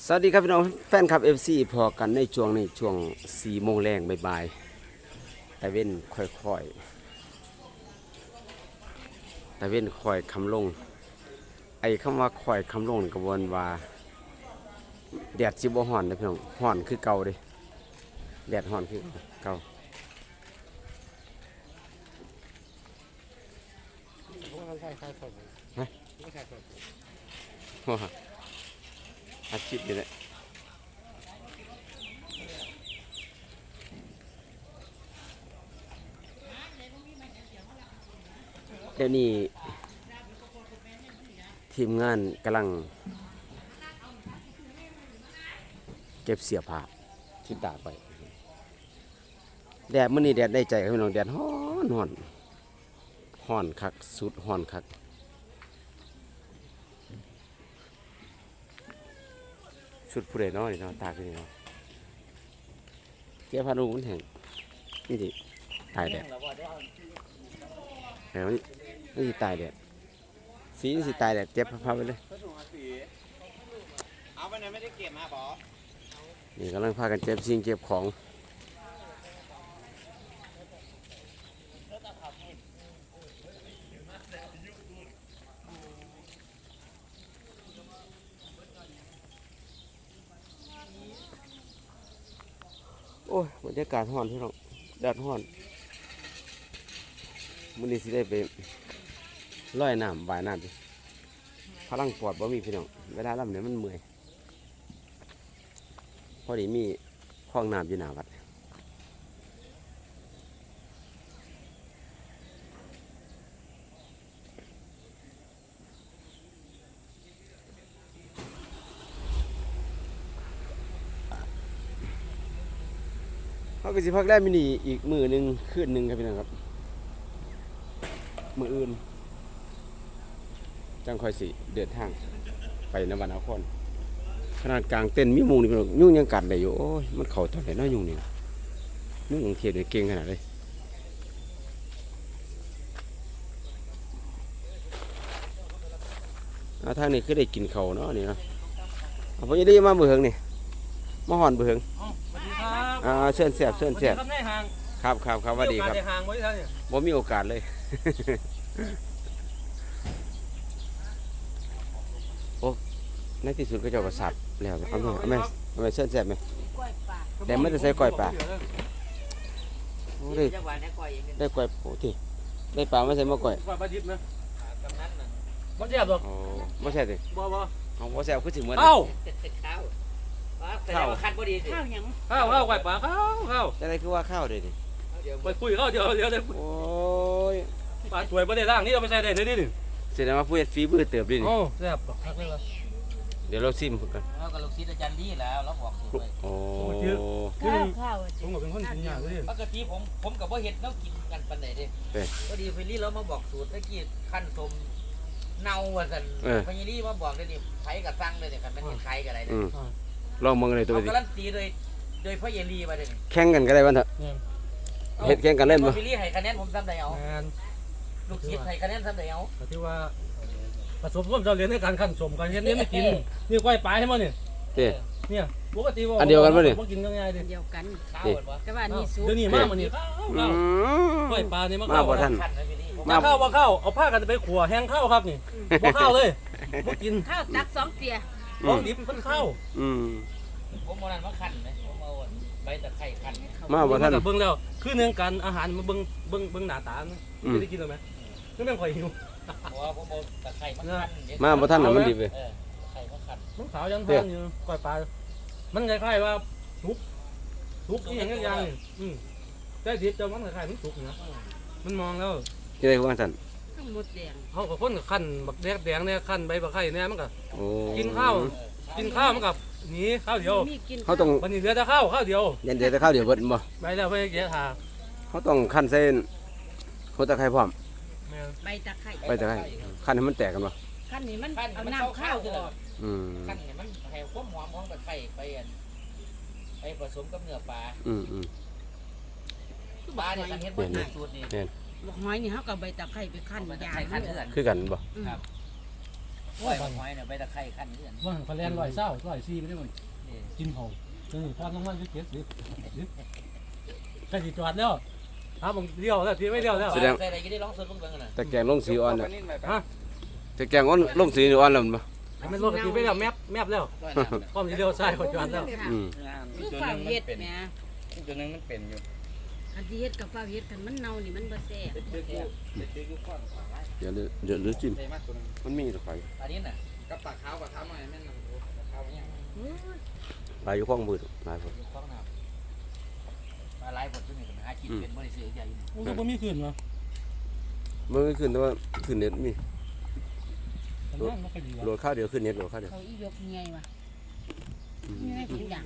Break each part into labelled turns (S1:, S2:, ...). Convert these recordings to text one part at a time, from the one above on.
S1: สวัสดีครับพี่น้องแฟนคลับ FC พอกันในช่วง4 โมงแรงบ่ายๆแต่เว้นค่อยๆแต่เว้นค่อยคำลงไอ้คำว่าค่อยคำลงกระบวนว่าแดดสิบ่ฮ้อนนะพี่น้องฮ้อนคือเก่าเด้แดดฮ้อนคือเก่าฮะว้าอาชีพนี่แหละเดี๋ยวนี้ทีมงานกำลังเก็บเสียผ้าที่ตากไปแดดมื้อนี้แดดได้ใจครับพี่น้องแดดฮ้อนคักสุดฮ้อนคักสุดผู้ใดเนาะนี่เนาะตากอยู่นี่เนาะเก็บผ้านุ่งมันแห้งนี่สิตายแดดแล้วนี่สิตายแดดสีนี่สิตายแดดเก็บผ้าไปเลย
S2: เอาไปไหนไม่ได้เก็บมาบอ
S1: นี่กำลังพากันเก็บสิ่งเก็บของโอ้ยบรรยากาศร้อนพี่น้องแดดร้อนมื้อนี้สิได้ไปลอยน้ำว่ายน้ำดิพลังปอดบ่มีพี่น้องเวลาล่ำเนี่ยมันเมื่อยพอดีมีคลองน้ำอยู่หน้าวัดเขาก็สิพักได้มินิอีกมื้อหนึงคืนหนึงครับพี่น้องครับมื้ออื่นจังค่อยสิเดินทางไปนวนครขนาดกลางเต้นมีมุงนี่พี่น้องยุ่งยังกัดได้อยู่โอ้ยมันเข้าตอนไหนเนาะยุ่งนี่ยุ่งของเทียดเก่งขนาดเลยทางนี้คือได้กินเขาเนาะนี่เนาะเอาพอจะได้มาเบืองนี่มาหอนเบือง
S3: สวัสดีครับ
S1: เชิญเสียบเชิญเสียบ
S3: ครับในห้าง
S1: ครับสวัสดีครับ
S3: ในห้างไว้ท่านเนี่ย
S1: บ่มีโอกาสเลย โอ้ในที่สุดก็เจ้าก็สับแล้วเอาไหมเชิญเสียบไหมแต่ไม่ได้ใส่ก้อยปลาโอ้ได้ก้อยโอ้ที่ได้ปลาไม่ใส่มะก้อย
S3: ปลาดิบนะกำนันน่ะบ่แซ่บหรอก
S1: โอ้ไม่ใช่สิ
S3: บ่
S1: เอาบ่แซ่บคือสิเหมือน
S3: ข้าว
S2: ข้าวคันพอดีสิ
S4: ข้าวหยัง
S3: ข้าวไก่ปลาข้าว
S1: จะได้คือว่าข้าวเด้ดิ
S3: ไปคุยข้าวเดี๋ยวได้
S1: โอ้ย
S3: ปลาสวยบ่ได้ล่างนี่เอาไปใส่ได้เลยนี่
S1: แสดงว่าผู้เฮ็ดฝีมือเติบดินี่
S3: โอ้แซ่บคักเลยว่ะ
S1: เดี๋ยวเราซิมกัน
S2: เรากับลูกศิษย์อาจารย์ดีแล้วเราบอกสูตรเลย
S1: โอ้
S4: ข้าว
S3: ผมก็เป็นคนกินยากเลย
S2: ปกติผมกับว่าเห็ดเรากินกันปันไหนดิพอดีเฟรลี่เรามาบอกสูตรเมื่อกี้ขั้นสมเนาว่าสันเฟรลี่มาบอกเลยนี่ไผกับซังเลยเนี่ยกันมันเห็นใครกับอะไรเนี่ย
S1: ลองมึงเลยตัว
S2: เขา
S1: ดิ
S2: การันตีโดยพ่อเยลีมาเลย
S1: แข่งกันก็ได้วันเถอะเฮ็ดแข่งกันเล่นบ่
S2: เฟรลี่ให้คะแนนผมซ้ำใดเอา
S3: งาน
S2: ลูกศิษย์ให้คะแนนซ้ำใดเอา
S3: ที่ว่าผสมร่วมเราเรียนในการขั้นสมกันเฮ็ดนี่ไม่กินนี่ก้อยปลาให้มั้งเนี่ย
S1: เด้
S3: เนี่ยปกติว่า
S1: อันเดียวกันปะเนี่ย
S3: บ่กินง่ายๆดิ
S4: เดียวกัน
S2: ข้าวเหรอวะ
S4: แต่ว่านี่สุก
S3: เดี๋ยวนี้มามื้อนี้ข้าวก้อยปลานี่มา
S1: มาบ่ทัน
S2: ขั้นนะเฟรลี่
S3: มาข้าวว่าข้าวเอาผ้ากันไปขัวแห้งข้าวครับนี่บ่ข้าวเลยบ่กิน
S4: ข้าวตัก2เตีย
S3: ของดิบเพิ่นข้าว
S2: ผมเอานั่นมาขั้นไหมผมเอาใบตะไคร้ขั้น
S1: มาบ่ทัน
S3: เบิ่งแล้วคือเนื่องกันอาหารมาเบิ่งหน้าตาไม่ได้กินหรอไหมคือแม่งข่อยหิว
S2: เพราะว่าผมเอาตะไคร้มาขั้น
S1: มาบ่ทันน่ะมันดิบเว้ย
S2: ตะไคร้มาขั้น
S3: มันขาวยังทานอยู่ก้อยปลามันคล้ายๆว่าสุกอีหยังอย่างนี่แต่ดิบจะมันคล้ายๆมันสุกนะมันมองแล้ว
S1: ที่ได้ว่าซั่น
S4: ทั้งหมดแดง
S3: เขาก็คนกับขั้นบักแดงเนี่ยขั้นใบบักไข่เนี่ยมันก็
S1: โอ้
S3: กินข้าวมันกับหนีข้าวเดียว
S4: มีกิน
S1: เขาต้อง
S3: วันนี้เหลือแต่ข้าวเดียว
S1: ยันเดี๋ยวแต่ข้าวเดี๋ยวเบิดบ่
S3: ไปแล้วไปเกี่ยทา
S1: เขาต้องคั่นเส้นโคตรไคร้พร้อม
S4: ใบตะไคร้
S1: ไปแต่ไคร้คั่นให้มันแตกกันบ่
S4: ขั้นนี้มัน
S2: ขั้น
S4: เอา
S2: มัน
S4: น้ำข้าว
S2: คือ
S4: ออก
S2: ขั้นเนี่ยมันให้ความหอมของตะไคร้ไปผสมกับเนื้อปลาปลาเนี่ยกันเห็นว่าสูตรนี่
S4: บอกหอยนี่เฮากับใบตะไคร้ไปขั้น
S2: มันจะ
S4: ยา
S2: ใช้ขั้นเถื่อน
S1: คือกันบ่
S2: ปล่อยหอยเนี่ยใบตะไคร้ขั้นเรื่อน
S3: ว่าเขาแลน120 140ไปได้หมดกินเขาพอต้องมันจะเก็บสิใกล้สิจอดแล้วครับผมเลี้ยวแล้วทีไม่เลี้ยวแล้ว
S2: ใส่อะไรก็ได้ร้องสดลงไปกันนะ
S1: แต่แกงลงสีอ่อนน่ะ
S3: ฮะ
S1: แต่แกงอ่อนลงสีอ่อนแล้วมันบ่
S3: ไม่รถทีไม่แล้วแมปแล้วพร้อมจะเลี้ยวซ้ายเขาจอดแล้ว
S1: อืม
S4: คือฝ้าเฮ็ดแหม
S5: ตัวนึงมันเป็นอยู่
S4: อันที่เฮ็ดกับฝ้าเฮ็ดกันมันเน่านี่มันบ่แซ่บ
S1: เดี๋ยวหรือจิ้มมันมีตะไคร้
S2: อันนี้น่ะ
S5: กับปากขาวกับเท้าหน่อยแม่นปากขาวเนี่ย
S1: ปลาอยู่ข้องมือหลายคน
S2: คล้องน้ำมาไล่ผลที่นี่กันหากินเป็นบริสุทธิ์ใหญ่
S3: โอ้ยบ่มีคืนวะ
S1: มันไม่ขึ้นแต่ว่าขึ้นเน็ตมี
S3: มันนั่งไม่ค่อยดี
S1: โหล
S3: วะ
S1: ดข้าวเดียวขึ้นเน็ตโหลดข้าวเดียว
S4: เขาอียกใหญ่ว่ะมีให้ทุกอย่าง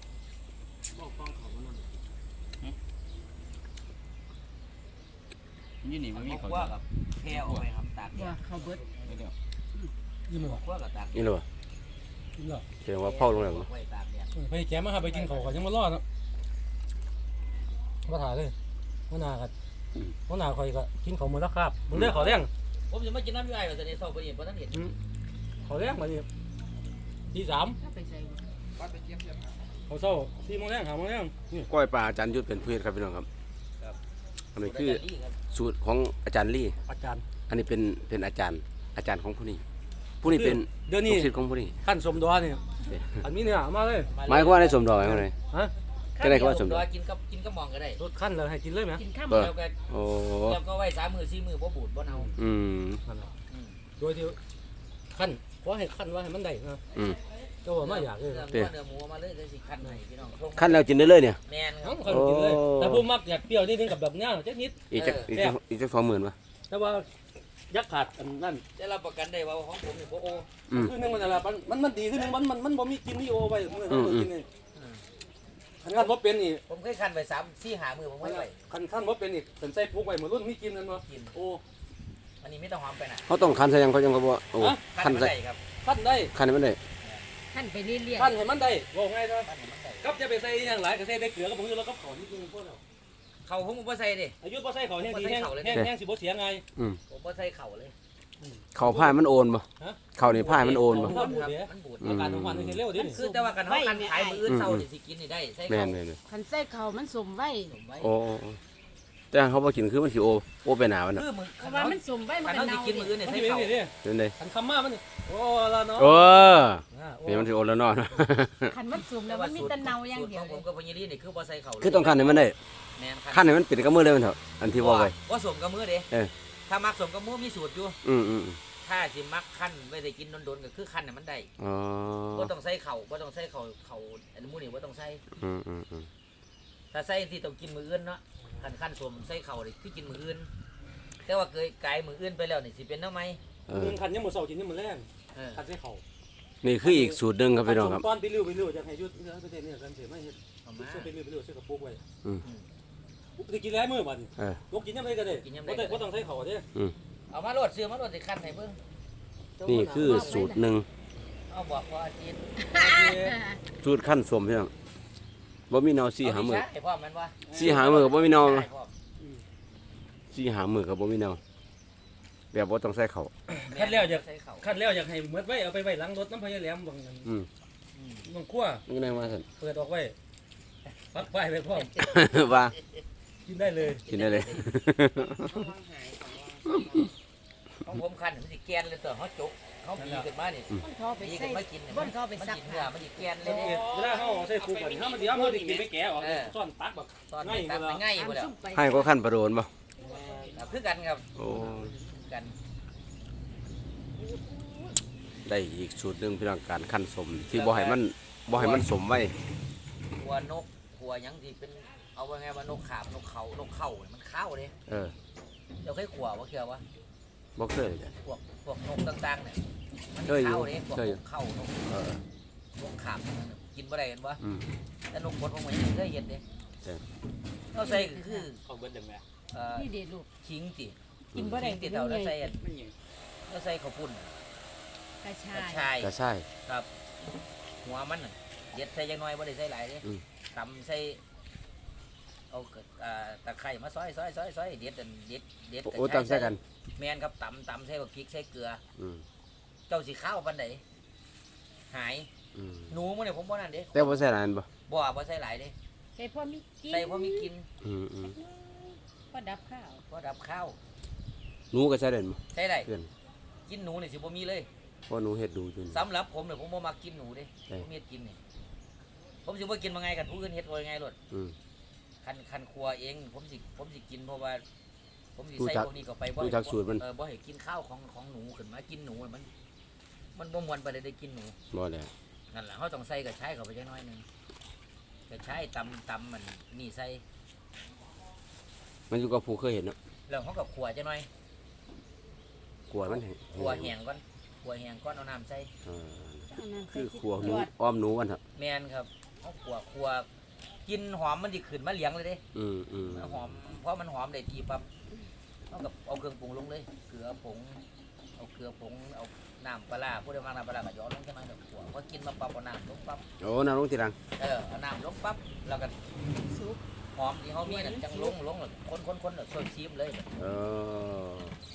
S5: ยี่นี่มันมี
S2: ขั้
S5: เขา
S2: วกับแพรเอาไปทำตาก
S4: ว่าเขาเบิด
S3: ยิ้มเลยวะ
S2: ขั้วกับตาก
S1: นี่เลยวะ
S3: ยิ้มเลย
S1: แสดงว่าเผาลงแล้วเนาะ
S2: ไว้ตากเนี่ย
S3: ไปแกมาครับไปกินเขาก่อนยังมารอดเนาะมาถ่ายเลยมาหนากันมาหนาคอยก็กินเขาหมดแล้วครับมึงเลือกเขาแรง
S2: ผมจะไม่กินน้ำย่อยแบบนี้เศร้าไปอีกเพราะท่านเห็น
S3: เขาแรงมาดิตี3
S4: ถ้าไปใส่
S5: วัดไปเทียบ
S3: เขาเศร้า4 โมงแรง5 โมงแรงนี่
S1: ก้อยปลาอาจารย์ยุทธเป็นผู้เฮ็ดครับพี่น้องครับอันนี้คือสูตรของอาจารย์ลี่
S3: อาจารย์
S1: อันนี้เป็นอาจารย์ของผู้นี้เป็น
S3: เดี๋ยวนี้
S1: ลูกศิษย์ของผู้นี้
S3: ขั้นสมดอนี่อันนี้เนี่ยมาเลย
S1: หมายความว่าได้สมดอกไหมคนไหน
S3: ฮะ
S1: ก็ได้คำว่าสมดอก
S2: กินก็มองก็ได้
S3: รถขั้นเลยให้กินเลยไหม
S4: กินข้าว
S2: แล้วก็
S1: โอ้
S2: แล้วก็ไว้3 มือ 4 มือบ่บูดบ่เอา
S1: อืม
S3: โดยที่ขั้นเพราะให้ขั้นว่าให้มันได้นะ
S1: อืม
S3: ก็ว่าไม่อยากเลย
S2: เนื้อหมูมาเลยสิคันให้พี่น้อง
S1: ขั้นแล้วกินได้เลยเนี่ย
S2: แม่นค
S3: น้
S2: รั
S3: อบ งคนกินเลยแต่ผมมักอยากเปรี้ยวนิดนึงกับแบบเนี้ยจักนิด
S1: อีกจัก20,000ป่ะ
S3: แต่ว่ายักขาดอันนั้น
S2: ได้รับประกันได้ว่าของผมนี่บ่โอ
S1: อืม
S3: คือนึงมันอะไรมันดีคือนึงมันบ่มีกินมีโอไปเมื่อเรากินนี่ขันขั้นบ่เป็นนี่
S2: ผมเคยคันไป3 4 5 มือผมไว้ไว้
S3: ขันบ่เป็นนี่เป็นใส่ปุ๊กไว้เหมือนรุ่นมีกินนั่นวะโอ้
S2: อันนี้ไม่ต้องหอมไปนะ
S1: เขาต้องคันใส่ยังเขายังก็บ่โอ้คันใส่
S2: ได้ครับ
S3: ขั้นได้
S1: คันให้มันได้
S4: ขั้นไปเรื่อย
S3: ขั้นให้มันได้บอกไงนะ
S2: คันให้มันได้
S3: กับจะไปใส่อย่างหลายก็ใส่ได้เกลือกับผงชูรสกับขอนิดนึงพวกเรา
S2: เขาผมบ่ใส่ดิ
S3: อายุบ่ใส่ขอแห้งดีแห้งสิบ่เสียไง
S2: ผมบ่ใส่เข่าเลย
S1: เขาผ้ามันโอนบ่เขานี่ผ้ามันโอนบ่
S2: มันบูดครับมันบูด
S3: อาการของมันเร็วดิ
S2: คือแต่ว่ากันเฮาคันขายมื้ออื่นเซานี่สิกินนี่ได้ใส่
S1: แม่
S2: เข่าน
S4: ๆคันใส่เขามันสมไว้
S2: ผมไว้
S1: โอ้แต่เขาบ่กินคือมันสิโอไปหนามันน่ะ
S2: คือมึง
S4: เพราะว่ามันสมไว้มัน
S2: คัน
S4: ก็
S2: เฮาสิ
S4: เน่า
S2: กินมื้ออื่นนี่
S3: มัน
S2: ใส่
S3: จะเป็น
S2: เข่า
S3: นี่
S1: เป็นได
S3: ขันคำมามันโอ้ละเนาะ
S1: โอ้นี่มันสิโอนแล้วเนาะ
S4: คันมันสมแล้วมันมีแต่เน่าอย่างเดียว
S2: ผมกับพญาลีนี่คือบ่ใส่เข่า
S1: คือต้องคันให้มันได้
S2: แม่น
S1: คันให้มันปิดกับมือเลยมันเถอะอันที่ว่าไว้
S2: ว่าสมกับมื้อเด้
S1: เออ
S2: ถ้ามักสมกับมื้อมีสูตรอยู่
S1: อืม
S2: ถ้าสิมักคั้นไว้ได้กินโดนๆก็คือคั้นให้มันได้
S1: อ๋อ
S2: บ่ต้องใส่เข่าบ่ต้องใส่เข่าอันมื้อนี่บ่ต้องใส่
S1: อืม
S2: ถ้าใส่ที่ต้องกินมื้ออื่นเนาะคันสมใส่เข่านี่คือกินมื้ออื่นแต่ว่าเคยกายมื้ออื่นไปแล้วนี่สิเป็นแนวไหม
S3: ขันยังมือเสากินยังมือแรง
S2: เออ
S3: ขันใส่เข่า
S1: นี่คืออีกสูตรหนึงครับพี่น้องครับ
S3: ตอนไปริ้วจะให้ยุดประเทศนี้กันเสียไม่เห็น
S2: เอามา
S3: เสื้อไปริ้วเสื้อกระปุกไว้
S1: อืม
S3: จะกินแล้วมือบัด
S1: เออ
S3: ลูกกินยังไงก็ได้ก็ต้องใส่เข่าเด้
S2: เอามาโลดซื้อมาโลดสิคั้นให้เบิ่ง
S1: นี่คือสูตรหนึ่ง
S2: เอาบอกว่าอาทิตย์
S1: สูตรขั้นสมพี่น้องบ่มีเนา4 5มื้อ
S2: ไอ้พ่อมันว่า
S1: 4 5มื้อก็บ่มีเนา
S2: ใช่พ่อ
S1: 4 5มื้อก็บ่มีเนาแบบบ่ต้องใส่ข้าว
S3: ขั้นแล้วอยาก
S2: ใส่เข่า
S3: ขั้นแล้วอยากให้เมื่อไว้เอาไปไว้หลังรถน้ำพายแหลมบาง
S1: อืม
S3: บางขั้ว
S1: มันก็ได้มาซั่น
S3: เปิดออกไว้ปักไฟไว้พร้อม
S1: ว่า
S3: กินได้เลย
S1: กินได้เลย
S2: ของผมคั้นมันสิแกนเลยตัวเฮาจกเฮาบีขึ้นมานี่
S4: มันเขาไป
S2: บี
S4: ใส่
S2: ขึ้นมากิน
S4: บ่นเขาไปซัก
S2: เนื้อ
S4: ผ้า
S2: มันสิแกนเลยเนี่ย
S3: เวลาเขาใส่ปูก่อนถ้ามันเดี๋ยวมันจะกินไปแก่ออกซ่อนตักแบบ
S2: ตอนนี้ตัดง่ายบ่แล้ว
S4: ซุ่มไป
S1: ให้ก็ขั้นประโดนบ่
S2: คือกันครับ
S1: โอ้
S2: กัน
S1: ได้อีกสูตรหนึงพี่น้องการขั้นสมที่บ่ให้มันสมไว้
S2: หัวนกหัวหยังที่เป็นเอาว่าไงว่านกขาบนกเขามันเข้าเด้
S1: เออ
S2: เดี๋ยวเคยขัวว่าเคือว่า
S1: บ่เคยเลยจ้ะ
S2: พวกนกต่างๆเนี่ยมัน
S1: เคยอยู่
S2: เข้าเด้พวก
S1: เคยอยู่
S2: นกเข้านก
S1: เออ
S2: นกขาบกินบ่ได้กันวะ
S1: อืม
S2: แต่นกบดผมยังเคยเห็นเด้
S1: ใช่
S2: เราใส่ก็คือ
S3: เขาเบิ้ลจังแม่
S4: นี่เด็ดลูก
S2: ขิงติ
S4: กินบ่ได้
S2: ขิงติเต่าแล้วใส่อันแล้วใส่ข้าวปุ้น
S4: กระชาก
S2: ระ
S4: ย
S2: ชาย
S1: ก็ใช่
S2: ครับหัวมันน่ะเด็ดใส่ยังน้อยบ่ได้ใส่หลายเด้
S1: อืม
S2: ตำใส่เอาตะไคร้มาซอยเด็ดอันเด็ด
S1: โอ้ตามใส่กัน
S2: แมนครับตำใส่กับพริกใส่เกลือ
S1: อืม
S2: เจ้าสิข้าวปานใดหาย
S1: อืม
S2: หนูมื้อนี้ผมบ่นั่นเด้
S1: แต่บ่ใส่หลายอันบ่
S2: บ่ใส่หลายเด้
S4: ใส่พอมีกิน
S2: ใส่พอมีกิน
S1: อืมอืม
S4: พอดับข้าว
S2: พอดับข้าว
S1: หนูก็ใส่ได้บ่
S2: ใส่ได้
S1: เพื่อน
S2: กินหนูนี่สิบ่มีเลย
S1: เพราะหนูเฮ็ดดูอยู่นี่
S2: สำหรับผมเนี่ยผมบ่มักกินหนูเด้
S1: ใช่
S2: ผมเฮ็ดกินนี่ผมสิบ่กินมาไงกันผู้อื่นเฮ็ดว่าไงโลด
S1: อืม
S2: คันครัวเองผมสิกินเพราะว่า ผมสิ
S1: รู้
S2: ใส่
S1: จัก
S2: พวกนี้เข้าไป
S1: รู้จักสูตรมัน
S2: บ่ให้กินข้าวของหนูขึ้นมากินหนูมันบ่ม่วนปานใดได้กินหนู
S1: บ่แล้ว
S2: นั่นล่ะเฮาต้องใส่กระชายเข้าไปจักหน่อยหนึงกระชายตำมันนี่ใส่
S1: มันอยู่กับผู้เคยเห็นเนาะ
S2: แล้วเฮาก็ขัวจักหน่อย
S1: กลัวมันแห้ง
S2: ขัวแห้งก่อนเอาน้ำใส่
S1: เออ
S4: เอาน้ำใส่
S1: คือ
S4: ที่
S1: ขัวหนู
S4: จวด
S1: อ้อมหนูวันเถอะ
S2: แม่นครับเฮาขัวกินหอมมันสิขึ้นมาเหลียงเลยเด้
S1: อืมอืม
S2: หอมเพราะมันหอมได้ทีปั๊บเอากับเอาเครื่องปรุงลงเลยเกลือผงเอาน้ำปลาร้าผู้ใดมาน้ำปลาร้าก็หยอดลงแค่นั้นเดี๋ยวขัวพอกินมาปั๊บเอาน้ำลงปั๊บ
S1: โอ้น้ำลงทีหลัง
S2: เอาน้ำลงปั๊บแล้วก็
S4: ซุป
S2: หอมที่เขามีนั่นจังลงแล้วคนแล้วซอยซีมเลย
S1: เออ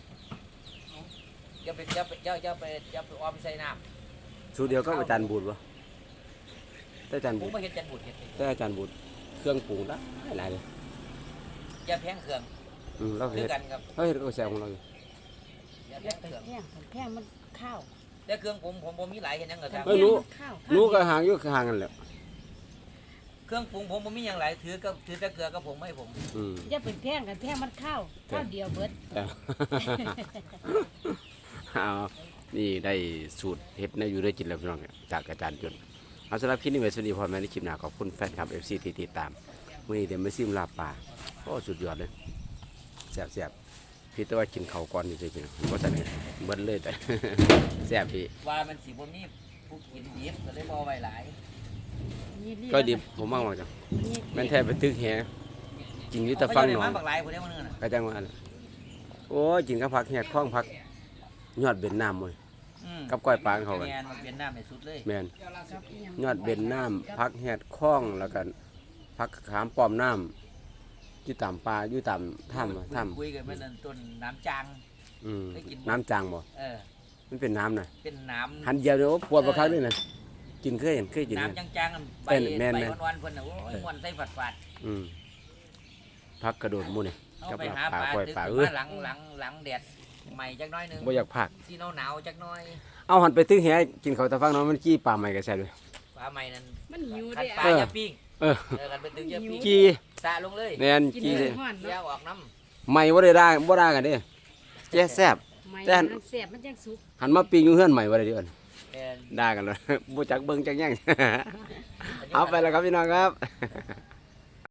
S2: อย่าไปออมใส่น้
S1: สูตรเดียวก็อาจารย์บูดบ่แต่อาจารย์
S2: ำผ
S1: บู
S2: ม
S1: ด
S2: ไม่เห็นจันบุตรเห็น
S1: แต่อาจารย์บูดเครื่องปรุงละหลายเลย
S2: อย่าแพงเครื่อง
S1: เรา
S2: คือ
S1: เฮ็ด
S2: กันครับ
S1: เราเฮ็ดก็แซวของเราอยู่
S2: อย่าแพ
S4: แล้ว
S2: ง
S4: ไป
S2: เครื่อง
S4: แพงมันข้าว
S2: แต่เครื่องผมมีหลายเห็นยังเหรอครับ
S1: เอ้ยหนู
S4: ข้าว
S1: หนูก็ห่างอยู่ห่างกันแหล้ว
S2: เครื่องปรุงผมมีอย่างไรถือแต่เกลือกับผมไม่ผม
S1: อืม
S4: อย่าไปแพงกันแพงมันข้าวข้าวเดียวเบิด
S1: แต่ เอานี่ได้สูตรเฮ็ดแนวอยู่ได้กินแล้วพี่น้องเนี่ยจากอาจารย์จนเอาสำหรับคลิปนี้ไว้สวัสดีพ่อแม่ในคลิปหน้าขอบคุณแฟนคลับ FC ที่ติดตามมื้อนี้เดี๋ยวมาซิมลาบปลาโอ้สุดยอดเลยแซ่บๆพี่แต่ว่ากินข้าวก่อนนี่สิพี่น้องบ่ทันได้เบิ่นเลยแต่ แซ่บพี่
S2: ว่ามันสีบ่มีผู้กินดิบก็เลยบ่เอาไว้หลาย
S1: ก็ดิบผมมากจังแม่นแท้ไปตึกแฮกินอยู่แต่ฟังหนอ
S2: มาน บักหลายผู้ใดมื้อนึงน่ะ
S1: ก็จังว่าน่ะโอ้ยกินกับผักแหดข้องผักยอดเบ็ดน้ำหมด กับก้อยปลาเขากัน
S2: แม่นมันเป็นน้ำในสุดเลย
S1: แม่น
S4: กับอีหง
S1: ยอดเบ็ดน้ำผักแหดข้องแล้วกันผักขามป้อมน้ำอยู่ตามปลาอยู่ตามถ้ำถ้ำ
S2: คุยกันเมื่อนั้นต้นน้ำจาง
S1: อืม
S2: ได้กิน
S1: น้ำจางบ่
S2: เออ
S1: มันเป็นน้ำน่ะ
S2: เป็นน้ำ
S1: หันเดียวเดี๋ยวปวดประคักด้วยนะกินเคยเห็นเคยกินนะ
S2: น้ำจางๆใบ
S1: แม่น
S2: ใบวันๆเพิ่นน่ะโอ้ยม่วนใส่ฝาด
S1: อืมผักกระโดดหมูนี่
S2: ๆเอา
S1: กับ
S2: ไปหา
S1: ปลา
S2: ปลา
S1: ก้อย
S2: ดึก
S1: ปลา
S2: ขึ้น
S1: เอ้ย
S2: มาหลังแดดใหม่จักหน้อยหนึง
S1: บ่อยากผัก
S2: สีหนาวๆจักหน้อย
S1: เอาหันไปตึกแหกินข้าวตะฟังเนาะมันกี้ปลาใหม่ก็ใส่ด้วย
S2: ปลาใหม่นั้น
S4: มันหิว
S2: คั
S4: ได้
S2: นปลา
S1: เออ
S2: อย่าปิ้ง
S1: เออ
S2: กันเป็นตึกอย่าปิ้ง
S1: กี้
S2: สะลงเลย
S1: แม่น
S4: กิน
S1: กี้
S4: เล
S1: เลย
S4: ยฮ้อน
S2: อย่า
S4: เนาะ
S2: ออกน้
S1: ใหม่บ่ได้ด่าบ่ด่ากันเด้แจ๊แซ่บ
S4: ไม่
S1: แต่
S4: มันแซ่บมันจังสุก
S1: หันมาปิ้งอยู่เฮือนใหม่บ่ได้เด้อ
S2: ำแม่น
S1: ด่ากันเลย บ่จักเบิ่งจักแย่ง เอาไปแล้วครับพี่น้องครับ